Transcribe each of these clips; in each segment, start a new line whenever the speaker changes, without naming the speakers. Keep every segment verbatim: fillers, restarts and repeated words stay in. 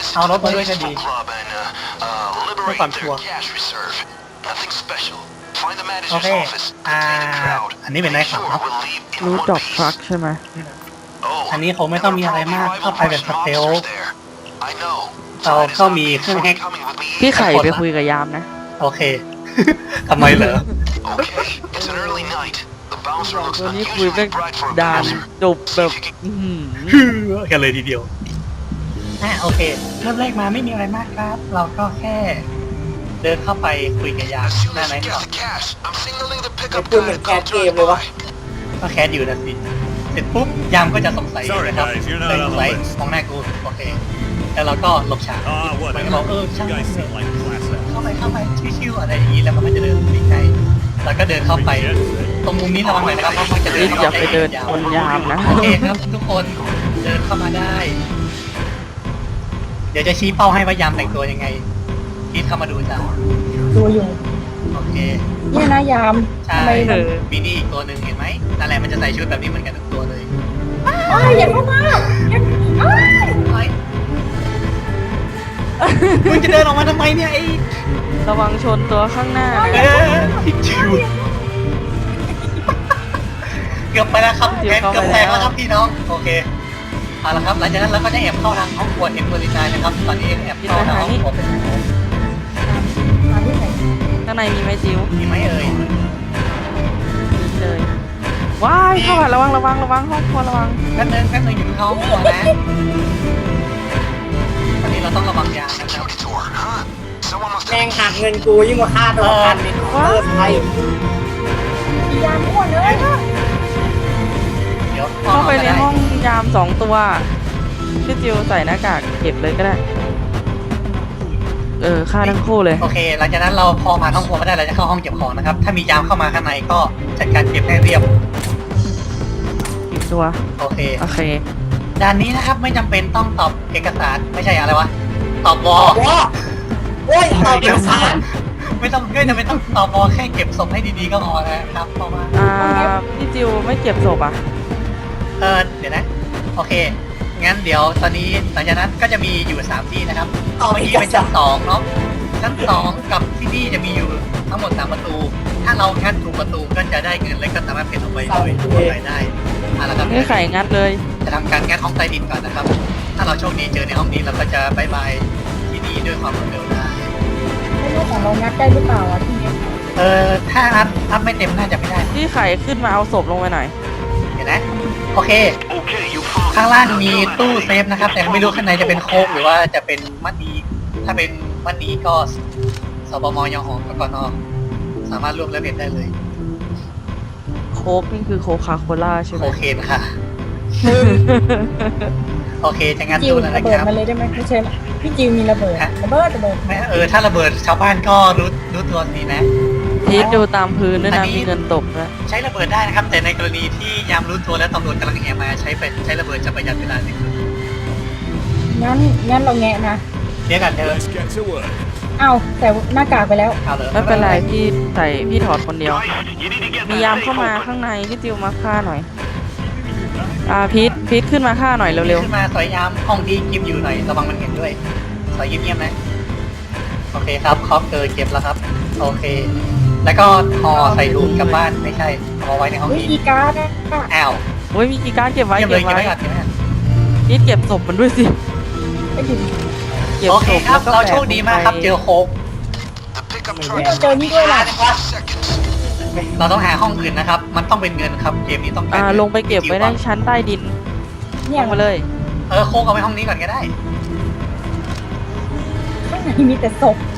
เอารถมาด้วยก็ดีเพื่อความชัวร์โอเคอ่าอันนี้เป็นนายขับเนาะ
รูทดอกทรัคใช่ไหม
อันนี้คงไม่ต้องมีอะไรมากเข้าไปแบบสเตลเราก็มีเครื่องแฮก
พี่ไข่ไปคุยกับยามนะ
โอเค ทำไมเหรอ
ตัวนี้คุยเป็นดานจบแบบอื้อหือ
ฮือกันเลยทีเดียวอ่ะโอเคเริ่มแรกมาไม่มีอะไรมากครับ เราก็แค่เดินเข้าไปคุยกับยามหน้าไหนก่อน
จะพูดเหมือนแคสเกมเลยวะ
ก็แคสอยู่นะสิเสร็จปุ๊บยามก็จะสงสัย
Sorry,
นะครับ
guys, you're not
เลย
on
ส
the
งสัย
list.
มองหน้ากูโอเคแล้วเราก็หลบฉาก
Ah,
มันก็บอก
whatever.
เออ
You
ช่างมัน
guys
เถ
seem
อะ
like class act.
เข้าไปเข้าไปชิวๆอะไรอย่างนี้แล้วมันก็จะเดินไปไกลแล้วก็เดินเข้าไปตรงมุมนี้ระวังหน่อยนะครับเพราะมันจะเดิน
อย่าไปเดินบนยามนะ
โอเคครับทุกคนเดินเข้ามาได้ เดี๋ยวจะชี้เป้าให้ว่ายามแต่งตัวยังไงคิดเข้ามาดูจ้ะ
ดูอยู่
โอเค
เนี่ยนะยาม
ใช่
ทำไมมัน
มีนี่อีกตัวหนึ่งเห็นไหมนั่นแหละมันจะใส่ชุดแบบนี้เหมือนกันทุกตัวเลย
อ้ายอย่าเข้ามาอย่าอ้าย
เฮ้ยมึงจะเดินออกมาทำไมเนี่ยไอ้
ระวังชนตัวข้างหน้า
เออพิชิวเกือบไปแล้วครับแกเกือบแตกแล้วครับพี่น้องโอเคเอาละครับหลังจากนั้นเราก็จะแอบเข้าทางห้องครัวเห็นบริการนะครับตอนนี้แอบเข้าทางห้องครัวเป็น
มาที่ไหน
ข้างในมีไหมจิ๋ว
มีไหมเอ่ย
มีเลยว้ายเข้าอ่ะระวังระวังระวังห้องครัวระวัง
แป๊บนึงแป๊บนึงอยู่ในห้องครัวนะตอนนี้เราต้องระวังยางนะครับ
แม่งหักเงินกูยิ่งกว่าค่าตัวประกันนี่เออไทยยามอ้วนเลย
เดี๋ยว
เข้าไปในห้องยามสองตัวพี่จิวใส่หน้ากากเก็บเลยก็ได้ เออฆ่าทั้งคู่เลย
โอเคหลังจากนั้นเราพอผ่านห้องครัวมาได้เราจะเข้าห้องเก็บของนะครับถ้ามียามเข้ามาข้างในก็จัดการเก็บให้เรียบ
อีกตัว
โอเค
โอเค
ด่านนี้นะครับไม่จำเป็นต้องตอบเอกสารไม่ใช่อะไรวะตอบวอ
ว้าโอ้ยตอบเอกสาร
ไม่ต้องไม่จำเป็นต้องตอบวอแค่เก็บศพให้ดีๆก็พอนะครับเพราะว่า
อ่าพี่จิวไม่เก็บศพอ่ะ
เออเดี๋ยวนะโอเคงั้นเดี๋ยวตอนนี้หลังจากนั้นก็จะมีอยู่สามที่นะครับเมื่อกี้เป็นชั้นสองเนาะชั้นสองกับที่นี่จะมีอยู่ทั้งหมดสามประตู ถ้าเรางัดถูกประตูก็จะได้เงินและก็สามารถเป็นออกไปโดยรายได้เอาละครับ
นี่ไข่งัดเลย
จะทำการงัดห้องใต้ดินก่อนนะครับ ถ้าเราโชคดีเจอในห้องนี้เราก็จะบายบายที่นี่ด้วยความรวดเร็วได้
ไม่รู้ของเรางัดได้หรือเปล่าอ่ะที่นี้
เออถ้าอัพอัพไม่เต็มน่าจะไม่ได้
พี่ไข่ขึ้นมาเอาศพลงไปหน่อย
เห็นไหมโอเค ข้างล่างมีตู้เซฟนะครับ แต่ไม่รู้ข้างในจะเป็นโค้กหรือว่าจะเป็นมัดนีถ้าเป็นมัดนีก็สบมยหองกกนสามารถร่วมและเบ็ดได้เลย
โค้กนี่คือโคคาโคล่าใช่ไหม
โอเคค่ะ โอเคจะงัด
จิว
ตู้แล้ว
ระ
นะ
เบิ
ค
ด
รับ
มาเลยได้ไหมไม่ใช่พี่จิวมีระเบิดระเบิดระเบิด
ไม่เออถ้าระเบิดชาวบ้านก็รู้รู้ตัวสินะ
พีทดูตามพื้นด้วย
อั
นะ
นนี้
มีเงินตกด้วย
ใช้ระเบิดได้นะครับ แต่ในกรณีที่ยามรู้ตัวแล้วตำรวจกำลังแห่มาใช้เป็นใช้ระเบิดจะประหยัดเวลาที่สุด
งั้นงั้นเราแงะนะ
เรียกกันเถอะ
Let's get to work.
เอ้าแต่หน้ากากไปแล้ว
เอาเลย
ไม่เป็นไรพี่ใส่พี่ถอดคนเดียว มียามเข้ามาข้างในพี่จิวมาฆ่าหน่อย อ่าพีทพีทขึ้นมาฆ่าหน่อยเร็ว
ขึ้นมาสอยยามห้องที่กิมอยู่หน่อยระวังมันเห็นด้วยสอยเงียบๆนะโอเคครับครอบเจอเก็บแล้วครับ โอเค แล้วก็ห่อใส่ถุงกลับบ้านไม่ใช่เอาไว้ในห้อง
วิ
นี้
ธีการนะ
อ้าว
ๆโอ้ยมีกีการดเก็บไว้
เก็บเล
เก็
ย
บ
เก็บ
ไว้
ไว้ก่อนเก็บไว้ก่อน
พีทเก็บศพมันด้วยสิ
ไม่ถึง
เก็บ
โอเค
ศพ
ครับ
แล้วก็
เราโชคดีมากครับ
แปะ
เจอโค้ก
ไม่เราเจอนี่ด้วยล่ะ
เราต้องหาห้องอื่นนะครับ มันต้องเป็นเงินครับเกมนี้ต้องการ
อ่า
เงิน
ลงไปเก็บไว้ในชั้นใต้ดิน
เนี่ย
ลงมาเลย
เออโค้กเอาไว้ห้องนี้ก่อนก็ได้
ข้างในมีแต่ศพ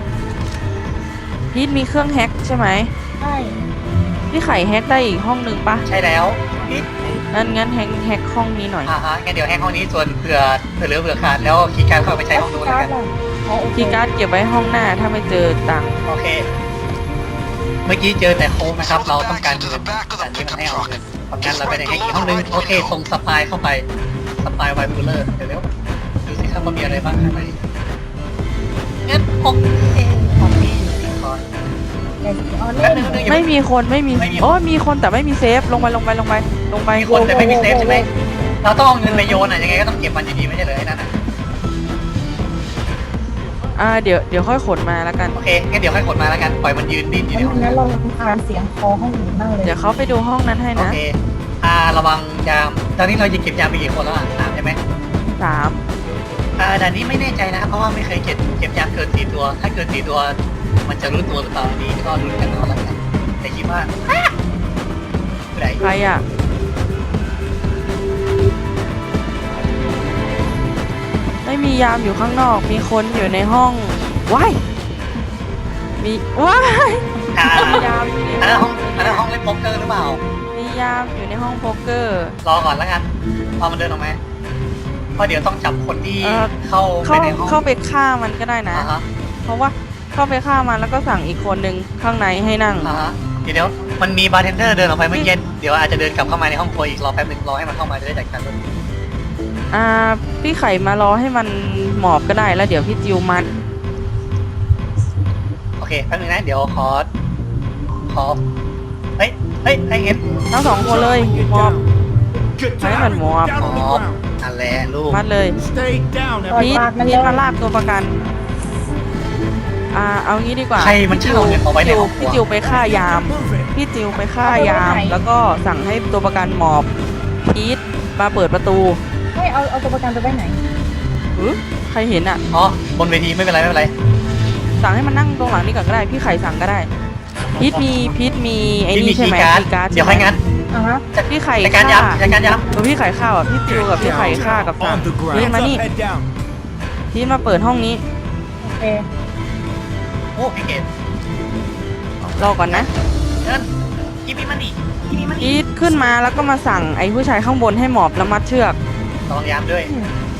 พีทมีเครื่องแฮ็กใช่ไหม
ใช่
พี่ไข่แฮ็กได้อีกห้องหนึ่งปะ
ใช่แล้วนี่
งั้นงั้นแฮ็กแฮ็กห้องนี้หน่อย
อ่าฮะงั้นเดี๋ยวแฮกห้องนี้ส่วนเผื่อเผื่อเหลือเผื่อขาดแล้วคีย์การ์ดเข้าไปใช้ห้องนู้นแล้วกัน
อ๋อโอเค
คีย์การ์ดเก็บไว้ห้องหน้าถ้าไม่เจอตังค์
โอเค เมื่อกี้เจอแต่โค้งนะครับ เราต้องการเงินแต่นี่มันให้เอาเงินเพราะงั้นเราไปในแฮกอีกห้องนึงโอเคส่งสปายเข้าไปสปายไวบูลเลอร์เดี๋ยวเร็วดูสิครับว่ามีอะไรบ้างข้างในงั้นโอเคห้องนี้อยู่ที่คอย
เดี๋ยวเอา
แป๊
เล่
บ
น
นึงแป๊บนึงอย่า
ไม่
เพิ่ง
มีคนไม่มี
ไม่มี
โอ้ยมีคนแต่ไม่มีเซฟลงไปลงไปลงไปลงไป
มีคนแต่ไม่มีเซฟใช่ไหมเราต้องเอาเงินไปโยนอ่ะยังไงก็ต้องเก็บมันอยู่ดีไม่ใช่เหรอไอ้นั่นอ่ะ
อ่าเดี๋ยวเดี๋ยวค่อยขนมาแล้วกัน
โอเคงั้นเดี๋ยวให้ขนมาแล้วกันปล่อยมันยืนดิ้นอยู่ในห้อง
งั้นเราทานเสียงคอห้องอื่นบ้างเลย
เดี๋ยวเขาไปดูห้องนั้นให้
โอ
นะ
เคอ่าระวังยามตอนนี้เราจะเก็บยามไปกี่คนแล้วอ่ะสามใช่ไหม
สาม
อ่าด่านนี้ไม่แน่ใจนะเพราะว่าไม่เคยเก็บเก็บยามเกินสี่ตัว ถ้าเกินสี่ตัว มันจะรู้ตัวหรือเปล่าอันนี้ก็รู้กันเอาละกันแต่คิดว่าไหน
ใครอ่ะไม่มียามอยู่ข้างนอกมีคนอยู่ในห้องว้ายมีว้าย
อ่า
มียามอยู่ใน
อันนั้น
ห้
ห้
อ
อง งอันนั้นห้องเล่นโป๊กเกอร์หรือเปล่า
มียามอยู่ในห้องโป๊กเกอร์
รอก่อนแล้วกันพอมันเดินออกมาเพราะเดี๋ยวต้องจับคนที่
เอ่อ
เข้าไป
เข้า
ในห้อง
เข้าไปฆ่ามันก็ได้นะ
อ่าฮะ
เพราะว่าเข้าไปฆ่ามันแล้วก็สั่งอีกคนหนึ่งข้างในให้นั่ง
อ่าฮะเดี๋ยวเดี๋ยวมันมีบาร์เทนเดอร์เดินออกไปเมื่อกี้เดี๋ยวอาจจะเดินกลับเข้ามาในห้องครัวอีกรอแป๊บหนึงรอให้มันเข้ามาจะได้จัดการด้วย
อ่าพี่ไข่มารอให้มันหมอบก็ได้แล้วเดี๋ยวพี่จิวมัด
โอเคแป๊บนึงนะเดี๋ยวขอขอเฮ้ยเฮ้ยให้เห็น
ทั้งสองคนเลยหมอบ ให้มันหมอบ
อ๋อนั่นแหละลูก
มัดเลย
Stay down,
พีทพีทมาลากตัวประกัน อ่าเอางี้ดีกว่า
ใครมันเช่าเงินเอาไว้ใน
จิว
ห้องครั
พี่
ว
จิวไปฆ่ายาม พี่จิวไปฆ่ายาม แล้วก็สั่งให้ตัวประกันหมอบพีทมาเปิดประตู
ให้เอาเอาตัวประกันไปไว้ไหน
หึใครเห็นอ่ะ
อ๋อบนเวทีไม่เป็นไรไม่เป็นไร
สั่งให้มันนั่งตรงหลังนี่ก่อนก็ได้พี่ไข่สั่งก็ได้พีทมีพีทมีไอ้
พี่มี
นี่ใช่
คี
ไหม
ย์การ์ด
คีย์การ์ด
เดี๋ยวให้งั้น
อ่ะฮะ
พี่ไข่
จัดการ
ฆ่า
ยำจัดการย
ตัวพี่ไข่ฆ่าอ่ะพี่จิวกับพี่ไข่ฆ่ากับสั่ง
on the
พีท
ground.
มา
Hands
นี่
up, head down.
พีทมาเปิดห้องนี้
โอเค
ำโอ้พี่เกด
รอก่อนนะ
เดินกินพี่มันดิกินพี่มันดิ
พีทขึ้นมาแล้วก็มาสั่งไอ้ผู้ชายข้างบนให้หมอบแล้วมัดเชือก
ระวังยามด้วย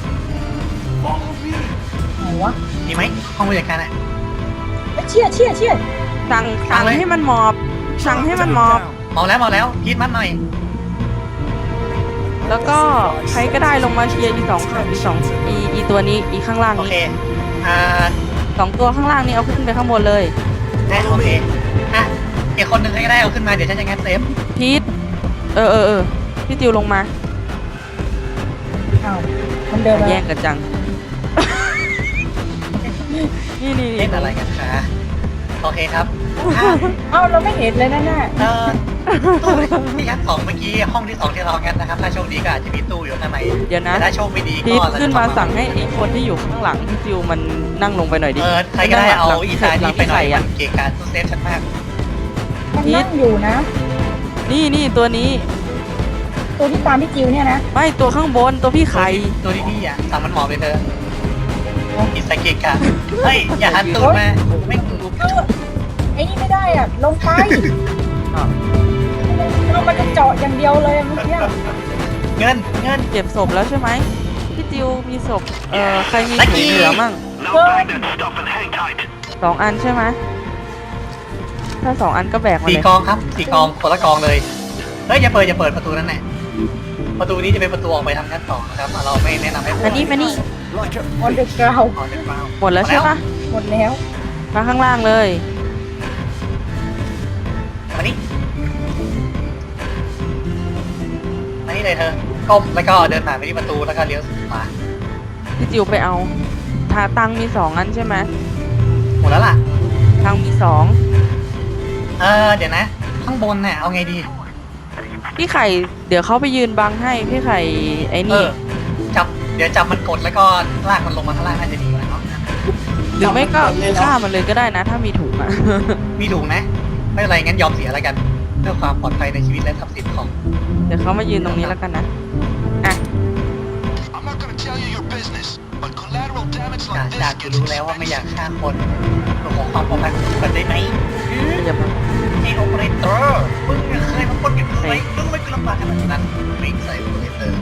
ไหนวะ
ดีไหมห้องบริการอ่ะ
เอ้ยเชี่ยเชี่ยเชี่ย
สั่งสั่ง
สั่งเลย
ให้มันหมอบ สั่งให้มันหมอบ
มองแล้วมองแล้วพีทมันหน่อย
แล้วก็ใครก็ได้ลงมาเคลียร์อีสองอีสองอีอีตัวนี้อีข้างล่าง
โอเค
นี้
อ่า
สองตัวข้างล่างนี้เอาขึ้นไปข้างบนเลย
นะโอเคอ่ะอีกคนหนึ่งให้ก็ได้เอาขึ้นมาเดี๋ยวฉันจะงัดเซฟ
พีทเออเออเออพี่ติวลงมา
อ้าวมันเดินมา
แย่งกันจัง นี่นี่
เล่นอะไรกันคะโอเคครับอ่ะ
เอ้าเราไม่เห็นเลยนะน่ะ
เออตู้ที่ชั้นสองเมื่อกี้ห้องที่สองที่เรางัดนะครับถ้าโชคดีก็อาจจะมีตู้อยู่ข้างใน
เดี๋ยวนะ
แต่ถ้าโชคไม่ดี
พี
ก็
ทขึ้นมาสั่งให้ไอ้คนที่อยู่ข้างหลังพี่ติวมันนั่งลงไปหน่อยดิ
เออใครก็ได้เอา
หลัง
อีสาน
หลั
นี้
ง
ไปหน่อย
พี่ข่
มั
อะ
นเกะกะตู้เซฟฉันมาก
มันนั่งอยู่นะ
นี่นี่ตัวนี้
ตัวที่ตามพี่จิวเนี่ยนะ
ไม่ตัวข้างบนตัวพี่ไข่
ตัวที่นี่อ่ะสั่งมันหมอบไปเถอะอิสเกะกะเฮ้ยอย่าหันตูดมาไม่กู
เออไอ้นี่ไม่ได้อ่ะ ลงไปเรามันจะเจาะอย่างเดียวเลยเมื่อกี้
เงินเงิน
เก็บศพแล้วใช่ไหมพี่ติวมีศพเอ่อใครมี
ลัค
ถุ
กี้
งเหลือมั่ง
เฮ้ย
สองอันใช่ไหมถ้าสองอันก็แบกมา
สี่
เลย
กองครับสี่กองคนละกองเลยเฮ้ยอย่าเปิดอย่าเปิดประตูนั่นแหละประตูนี้จะเป็นประตูออกไปทางชั้นสองนะครับเราไม่แนะนำให้
มานี่มานี่
Like a
ออนเดอร์กราว
เอาเดี๋ยวเปล่า
หมดแล้วใช่ปะ
หมดแล้ว
มาข้างล่างเลย
มานี่มานี่เลยเธอก้มแล้วก็เดินผ่านไปที่ประตูแล้วก็เลี้ยวขวา
พี่จิวไปเอาทาตังมีสองอันใช่ไหม
หมดแล้วล่ะ
ตังมีสอง
เออเดี๋ยวนะ ข้างบนเนี่ยเอาไงดี
พี่ไข่เดี๋ยวเขาไปยืนบังให้พี่ไข่ไอ้
เอ
นี่
อจับเดี๋ยวจับมันกดแล้วก็ลากมันลงมาข้างล่างน่าจะดีกว่าเนาะ
หรือไม่ก็ฆ่ามันเลยก็ได้นะ ถ้ามีถุงอ่ะ
มีถุงนะไม่เป็นไรงั้นยอมเสียแล้วกันเพื่อความปลอดภัยในชีวิตและทรัพย์สินของ
เดี๋ยวเขามายืนตรงนี้แล้วกันนะอ่ะ
I'm not gonna tell you your business, but collateral damage
จาก
like
จาก
this
กู
gets
รู้แล้วว่าไม่อยากฆ่าคนเรื่องของความปลอดภัยของคนได้ไหม
อย่ามา
ไอ้โอเปอเรเตอร์มึงเคยมาปล้นกันไหมมึงไม่เคยลำบากขนาดนั้นวิ่งใส่โอเปอเรเตอร์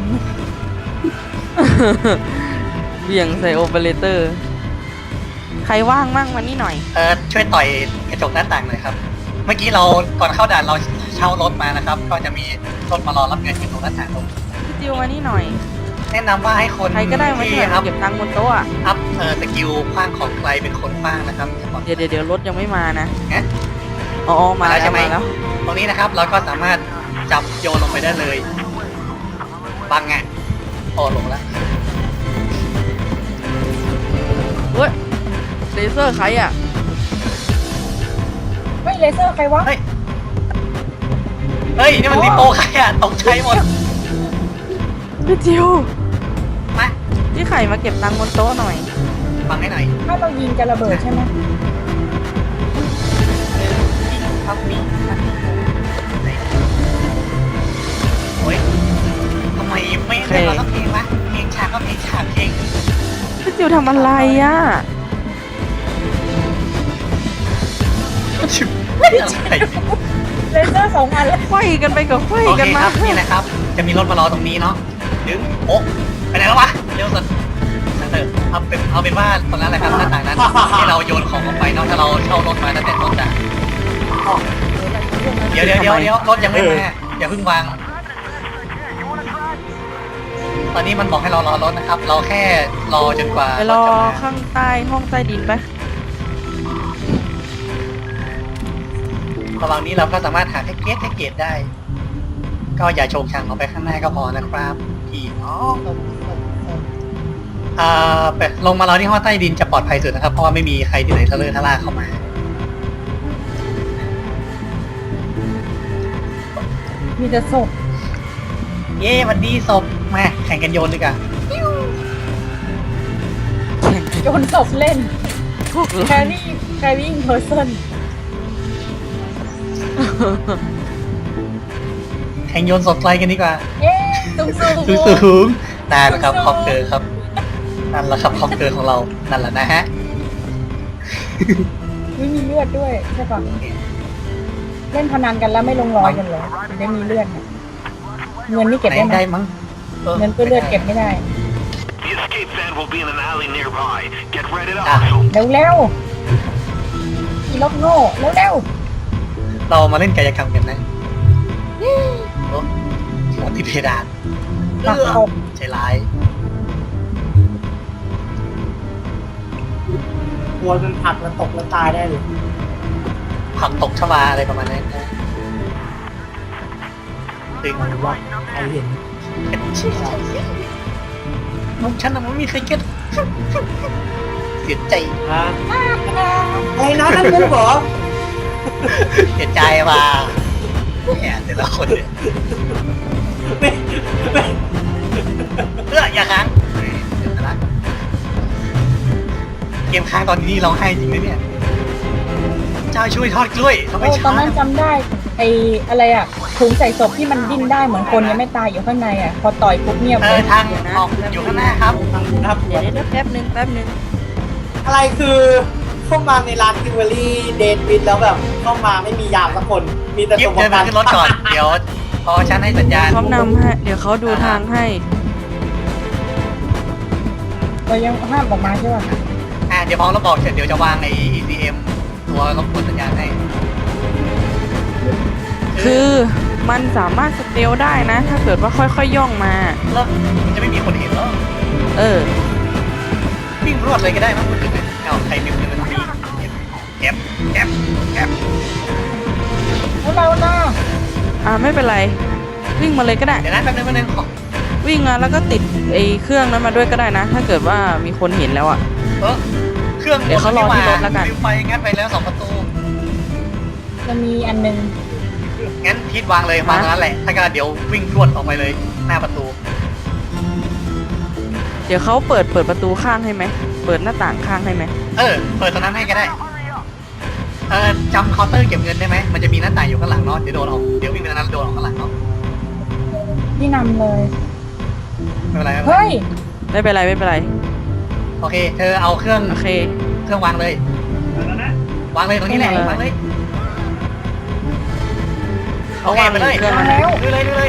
เบี่ยงใส่โอเปอเรเตอร์ ใครว่างมั่งมานี่หน่อย
เออช่วยต่อยกระจกหน้าต่างหน่อยครับ เมื่อกี้เราก่อนเข้าด่านเราเช่ารถมานะครับ ก็จะมีรถมารอรับเงินอยู่ตรงหน้าต่างตรง
พี่จิวมานี่หน่อย
แนะนำว่าให้คน
ใครก็ได้มา
ที่
ช่วย
อัพ
เก็บตังค์บนโต๊ะอะ
อัพเออสกิลคว้างของไกลเป็นคนคว้างนะครับ
เดี๋ยวเดี๋ยวเดี๋ยวรถยังไม่มานะ
ฮะ
อ๋อมาแล้ว
ใช่ไหม
มาแล้ว
ตรงนี้นะครับเราก็สามารถจับโยนลงไปได้เลยบังไงโอ้ลงแล้ว
เว้ยเลเซอร์ใครอ่ะ
เฮ้ยเลเซอร์ใครวะ
เฮ้ย เฮ้ย นี่มันรีโปใครอะตกใจหมด
พี่จิว
มา
พี่ไข่มาเก็บตังค์บนโต๊ะหน่อย
ฟังให้หน่อย
ถ้าเรายิงจะระเบิดใช่ไหม
ครับมีโอ้ยทำไมไม่ได้มาสักเพลงวะเพลงฉากก็เพลงฉากเพลง
พี่จิวทำอะไรอ่ะ
ไม่อะไร
เลเซอร์สองอันแล้ว
ไขว้กันไปกับไขว้
โอเค
กัน
ค
มา
รับนี่แหละครับ จะมีรถมารอตรงนี้เนาะดึงโอ๊ะไปไหนแล้ววะเร็วสุดนั่นเถอะเอาเป็นเอาเป็นว่าตรงนั้นแหละครับหน้าต่างนั้นที่เราโยนของออกไปเนาะถ้าเราเช่ารถมาตั้งแต่ต้นจะเดี๋ยวเดี๋ยวเดี๋ยวเดี๋ยวรถยังไม่มาอย่าเพิ่งวาง ตอนนี้มันบอกให้เรารอรถนะครับ เราแค่รอจนกว่า
ไปรอ
ถจะมา
ข้างใต้ห้องใต้ดินไป
ระหว่างนี้เราก็สามารถหาแท็กเกตแท็กเกตได้ ก็อย่าโชงชังออกไปข้างหน้าก็พอนะครับพี่น้องอ่าไปลงมาเราที่ห้องใต้ดินจะปลอดภัยสุดนะครับ เพราะว่าไม่มีใครที่ไหนทะเลทะล่าเข้ามา
มีแต่ศพ
เย้วันดีศพมาแข่งกันโยนดีกว่า
โยนศพเล่น
พวก
แครี่แครี่เพอร์เซน
แข่งโยนศพไกลกันดีกว่า
เย้สูงสูง
สูงสูงนั่นแหละครับคอปเกอร์ครับนั่นแหละครับคอปเกอร์ของเรานั่นแหละนะฮะ
ไม่มีเลือดด้วยใช่ปะเล่นพนันกันแล้วไม่ลงรอยกันเลยถึงได้มีเลือดเนี่ยเงินนี่เก็บได้ไหม
ได้มั้ง
เงินก็เลือดเก็บไม่ได้
The escape van will be in an alley nearby. Get ready to
อ่ะ
hustle.
เร็วเร็วอีล็อกโง่เร็วเร็ว
เรามาเล่นกายกรรมกันนะโอ้หัวที่เพดาน
ปัก
เอื้อ
หก
ใจร้าย
หัวมันผักแล้วตกแล้วตายได้เลย
ผักตกชวาอะไรประมาณนั้นนะตึง
ว่าใครเห็น
น้องฉันน่ะมันไม่มีใครเก็ตเสียใจ
ฮะไอ้น้องนั่นกูเหรอ
เสียใจว่ะแหมแต่ละคนเนี่ยเอออย่าค้างเดี๋ยวนะเกมค้างตอนนี้เราให้จริงเลยเนี่ยเจ้าช่วยทอดกล้วยทำไม
โอ้ตอ
ช้าน
นั้นจำได้ไอ้อะไรอ่ะถุงใส่ศพที่มันดิ้นได้เหมือนคนยังไม่ตายอยู่ข้างในอ่ะพอต่อยปุ๊บเงียบ
เอ
เล
อย ทางออกอยู่ข้างหน้าครับ
ครับ
เดี๋ยวเดี๋ยวแป๊บนึงแป๊บนึง
อะไรคือเข้ามาในร้านทิวเวอรี่เดนวิดแล้วแบบเข้ามาไม่มียามสักคน มีแต่
ยิ
ตั
บ
วประ
เดิน
กั
มาน ขึ้นรถก่อน เดี๋ยวพอฉันให้สัญญาณ
เขานำให้ เดี๋ยวเขาดูทางให้
เรายังห้ามออกมาใช่ป่ะ
อ่าเดี๋ยวพอเราบอกเสร็จเดี๋ยวจะวางใน อี ซี เอ็ม ตัวรบกวนสัญญาณให้
คือมันสามารถสเตลได้นะ ถ้าเกิดว่าค่อยๆย่องมา
แล้วมันจะไม่มีคนเห็นแล้ว
เออ
วิ่งรวดเลยก็ได้มั้งคุณถึงเอาใครมีมือมันมีเก็บเก็บเก็บ
แล้วเราน่ะ
อ่าไม่เป็นไร วิ่งมาเลยก็ได้
เดี๋ยวนะแป๊บนึงแป๊บนึงขอ
วิ่งมาแล้วก็ติดไอ้เครื่องนั้นมาด้วยก็ได้นะ ถ้าเกิดว่ามีคนเห็นแล้วอ่ะ
เออเครื่อง
เดี๋ยวเขารอที่รถแล้วกัน
วิวไฟงัดไปแล้วสองประตู
จะมีอันนึง
งั้นพีทวางเลยวางตรงนั้นแหละ ถ้าก็เดี๋ยววิ่งรวดออกไปเลยหน้าประตู
เดี๋ยวเขาเปิดเปิดประตูข้างให้ไหม เปิดหน้าต่างข้างให้ไหม
เออ เปิดตรงนั้นให้ก็ได้ เออจำเคาน์เตอร์เก็บเงินได้ไหม มันจะมีหน้าต่างอยู่ข้างหลังเนาะ เดี๋ยวโดนออก เดี๋ยววิ่งไปทางนั้นโดนออกข้างหลังเนาะ
ที่นำเลย
ไม่เป็นไรไม่เป็นไร
เฮ้ย
ไม่เป็นไรไม่เป็นไร
โอเค เธอเอาเครื่อง
โอเค
เครื่องวางเลย วางเลยตรงนี้แหละ
เออ
วางเลย โอ
เขา
เคว
าง
ไปเลย
เครื่อง
มา
นั้น
แล้ว
ดูเลยดูเลย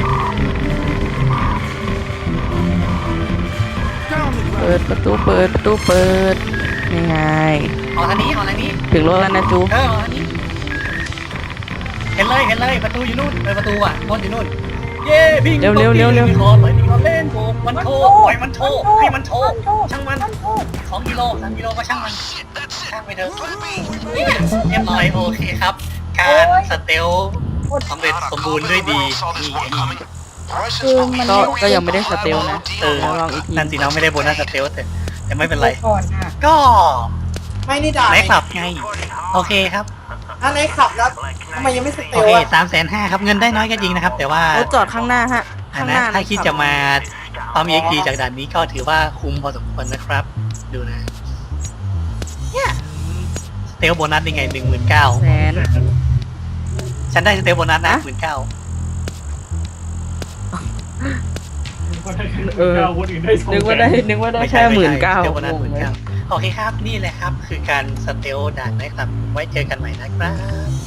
เปิดประตูเปิดประตูเปิดยังไง
ออกทางนี้ออกทางนี้
ถึงรถแล้วนะจู
เออออกทางนี้ เห็นเลยเห็นเลยประตูอยู่นู่นเออประตูอ่ะรถอยู่นู่น เย้พิง
เร็วเร็วเร็วเร็ว
ขอเลยนี่เขาเล่นโบกมันโทรปล่อยมันโทรให้มันโทรช่างมันสองกิโลสามกิโลก็ช่างมัน ช่างไปเถอะเรียบร้อยโอเคครับ การสเตลสำเร็จสมบูรณ์ด้วยดีนี่ไงนี่
คือมัน
ก็
ไม่
ก็ยังไม่ได้สเตลนะ
เออ
เดี๋ยวลองอีกที
นั่นสิน้องไม่ได้โบนัสสเตลแต่แต่ไม่เป็นไร
ก่อนอ่ะ
ก็
ไม่นี่ด่า
ไหนขับไง โอเคครับ
ถ้าไหนขับแล้วทำไมยังไม่สเต
โอ
ล
เค
อ่ะ
สามแสนห้าครับเงินได้น้อยก็จริงนะครับ แต่ว่าร
ถจอดข้างหน้าฮะ
อัน
ข้างห
นะ
น้า
ถ้าคิด
ขับ
จะมาปั๊ม เอ็กซ์ พี จากด่านนี้ก็ถือว่าคุ้มพอสมควรนะครับ ดูนะเนี่ยสเตลโบนัสยังไงหนึ่งหมื่นเก้า
แสน
ฉันได้สเตลโบนัสนะ
ฮะ
หมื่นเก้า
เออนึกว่าได้นึกว่าได้แค่หมื่นเก้า
สเตลโบนัสหมื่นเก้าโอเคครับนี่แหละครับ คือการสเตลด่านนะครับไว้เจอกันใหม่นะครับ